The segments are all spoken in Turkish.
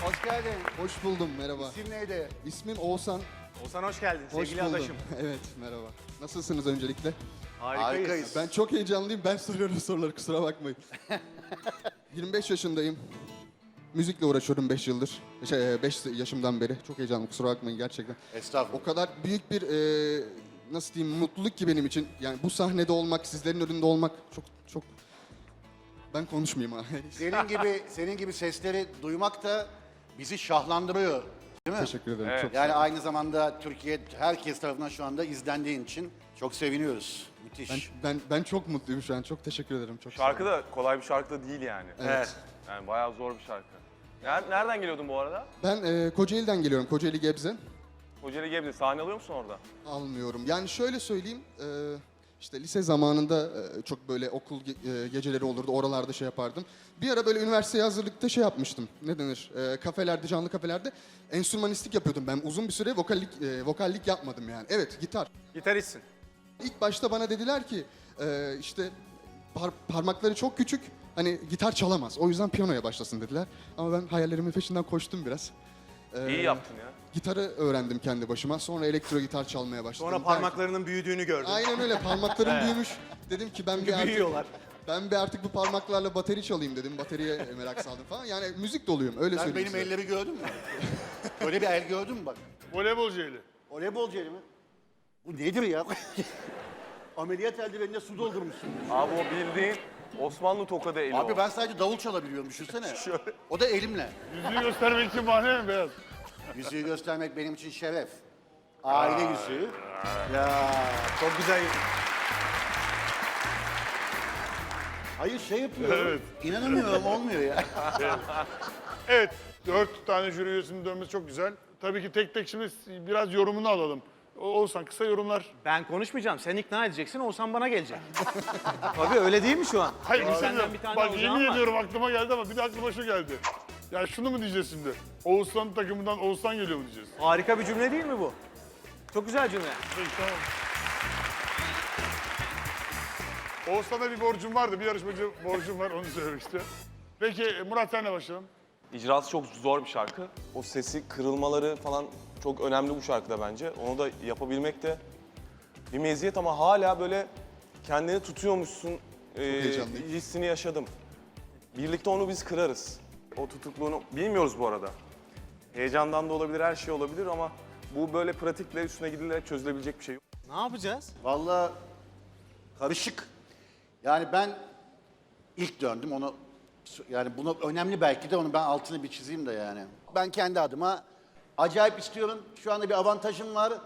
Hoş geldin. Hoş buldum, merhaba. İsim neydi? İsmim Oğuzhan. Oğuzhan hoş geldin Hoş sevgili buldum. adaşım. Evet, merhaba. Nasılsınız öncelikle? Harikayız. Ben çok heyecanlıyım, ben soruyorum soruları, kusura bakmayın. 25 yaşındayım. Müzikle uğraşıyorum 5 yıldır. 5 yaşımdan beri. Çok heyecanlıyım, kusura bakmayın gerçekten. Estağfurullah. O kadar büyük bir, nasıl diyeyim, mutluluk ki benim için. Yani bu sahnede olmak, sizlerin önünde olmak çok... Ben konuşmayayım ha. Senin gibi sesleri duymak da bizi şahlandırıyor. Değil mi? Teşekkür ederim. Evet. Çok Yani aynı zamanda Türkiye herkes tarafından şu anda izlendiğin için çok seviniyoruz. Müthiş. ben çok mutluyum şu an. Çok teşekkür ederim. Çok sağ Şarkı olun. da kolay bir şarkı da değil yani. Evet. Yani bayağı zor bir şarkı. Nereden geliyordun bu arada? Ben Kocaeli'den geliyorum. Kocaeli Gebze. Kocaeli Gebze. Sahne alıyor musun orada? Almıyorum. Yani şöyle söyleyeyim, işte lise zamanında çok böyle okul geceleri olurdu, oralarda şey yapardım. Bir ara böyle üniversiteye hazırlıkta şey yapmıştım, ne denir, kafelerde, canlı kafelerde enstrümanistlik yapıyordum ben. Uzun bir süre vokallik yapmadım yani. Evet, gitar. Gitaristsin. İlk başta bana dediler ki, işte parmakları çok küçük, hani gitar çalamaz. O yüzden piyanoya başlasın dediler. Ama ben hayallerimin peşinden koştum biraz. İyi yaptın ya. Gitarı öğrendim kendi başıma. Sonra elektro gitar çalmaya başladım. Sonra parmaklarının büyüdüğünü gördüm. Aynen öyle, parmaklarım büyümüş. Dedim ki büyüyorlar. Ben bir artık bu parmaklarla bateri çalayım dedim. Bateriye merak saldım falan. Yani müzik doluyum, öyle Sen söyleyeyim benim size. elleri gördün mü? Böyle bir el gördün mü bak? Voleybolcu eli. Voleybolcu eli mi? Bu nedir ya? Ameliyat eldivenine su doldurmuşsun. Abi o bildiğin Osmanlı tokadı eli Abi o. ben sadece davul çalabiliyorum düşünsene. O da elimle. Yüzüğü göstermek için bahane mi beyaz? Yüzüğü göstermek benim için şeref. Aile yüzüğü. Ya Çok güzel. hayır şey yapıyorum. Evet. İnanamıyorum olmuyor ya. Evet, 4 tane jüri üyesinin dönmesi çok güzel. Tabii ki tek tek şimdi biraz yorumunu alalım. Oğuzhan kısa yorumlar. Ben konuşmayacağım. Sen ikna edeceksin. Oğuzhan bana gelecek. Tabii öyle değil mi şu an? Hayır Senden senden bir tane Bak alacağım yemin var. ediyorum aklıma geldi ama bir de aklıma şu geldi. Ya şunu mu diyeceğiz şimdi? Oğuzhan takımından Oğuzhan geliyor mu diyeceğiz? Harika bir cümle değil mi bu? Çok güzel cümle. Peki tamam. Oğuzhan'a bir borcum vardı. Bir yarışmacı borcum var onu söylemişti. Peki Murat senle başlayalım. İcrası çok zor bir şarkı. O sesi kırılmaları falan çok önemli bu şarkıda bence. Onu da yapabilmek de bir meziyet ama hala böyle kendini tutuyormuşsun heyecanlıyım. hissini yaşadım. Birlikte onu biz kırarız. O tutukluğunu bilmiyoruz bu arada. Heyecandan da olabilir, her şey olabilir ama bu böyle pratikle üstüne gidilerek çözülebilecek bir şey yok. Ne yapacağız? Vallahi karışık. Yani ben ilk döndüm onu yani bunu önemli belki de onu ben altını bir çizeyim de yani. Ben kendi adıma acayip istiyorum. Şu anda bir avantajım var.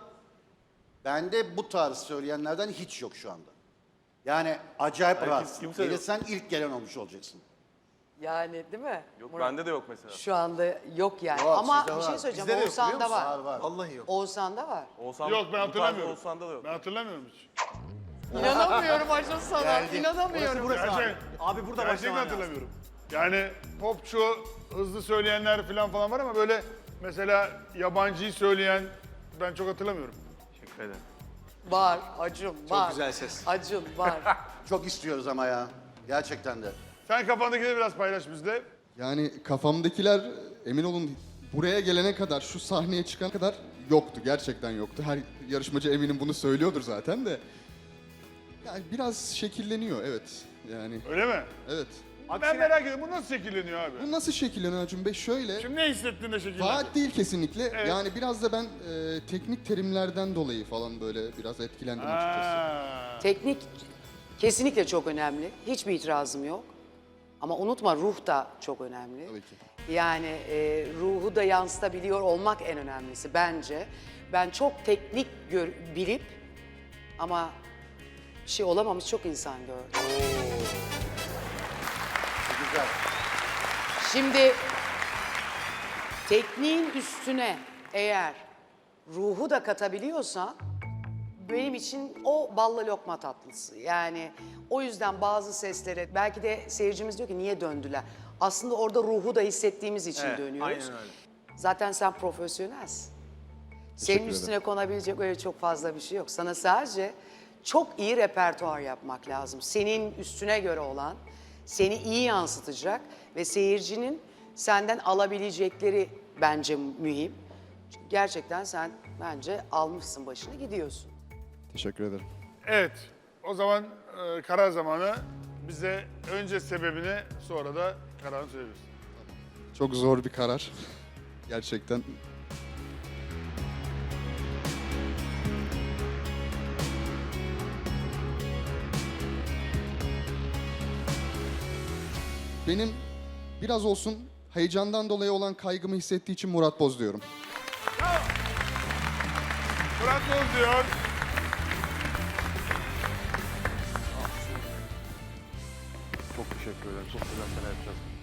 Bende bu tarz söyleyenlerden hiç yok şu anda. Yani acayip rahat. kimse yok. Gelirsen ilk gelen olmuş olacaksın. Yani değil mi? Yok Murat? bende de yok mesela. Şu anda yok yani. Yok, Ama sizde bir var. şey söyleyeceğim. Bizde de yok, Oğuzhan'da biliyor musun? var. Var var. Vallahi yok. Oğuzhan'da var. Oğuzhan, Yok ben bu tarz hatırlamıyorum. Oğuzhan'da da yok. Ben hatırlamıyorum hiç. İnanamıyorum Acun sana. İnanamıyorum. Burası abi. Gerçek- Abi burada Gerçekten başlaman lazım. hatırlamıyorum. Yani popçu, hızlı söyleyenler falan var ama böyle mesela yabancıyı söyleyen ben çok hatırlamıyorum. Teşekkür ederim. Var Acun var. güzel ses. Acun var. Çok istiyoruz ama ya. Gerçekten de. Sen kafandakileri biraz paylaş bizle. Yani kafamdakiler, emin olun buraya gelene kadar, şu sahneye çıkana kadar yoktu. Gerçekten yoktu. Her yarışmacı eminim bunu söylüyordur zaten de. Yani biraz şekilleniyor, evet. Yani Öyle mi? evet. Ben merak ediyorum bu nasıl şekilleniyor abi? Bu nasıl şekilleniyor Acun Bey? Şöyle, Şimdi ne hissettin de şekillendi? vaat değil kesinlikle. Evet. Yani biraz da ben teknik terimlerden dolayı falan böyle biraz etkilendim açıkçası. Ha. Teknik kesinlikle çok önemli. Hiçbir itirazım yok. Ama unutma ruh da çok önemli. Tabii ki. Yani ruhu da yansıtabiliyor olmak en önemlisi bence. Ben çok teknik bilip ama bir şey olamamış çok insan gördüm. Güzel. Şimdi tekniğin üstüne eğer ruhu da katabiliyorsan benim için o balla lokma tatlısı. Yani o yüzden bazı seslere belki de seyircimiz diyor ki niye döndüler? Aslında orada ruhu da hissettiğimiz için Evet, dönüyoruz. aynen öyle. Zaten sen profesyonelsin. Senin ederim. üstüne konabilecek öyle çok fazla bir şey yok. Sana sadece çok iyi repertuar yapmak lazım. Senin üstüne göre olan, seni iyi yansıtacak ve seyircinin senden alabilecekleri bence mühim. Çünkü gerçekten sen bence almışsın başını gidiyorsun. Teşekkür ederim. Evet, o zaman karar zamanı. Bize önce sebebini, sonra da kararını söyleyebilirsin. Çok zor bir karar. Gerçekten. Benim biraz olsun heyecandan dolayı olan kaygımı hissettiği için Murat Boz diyorum. Murat Boz diyor. Çok teşekkür ederim. Çok güzel şeyler yapacağız.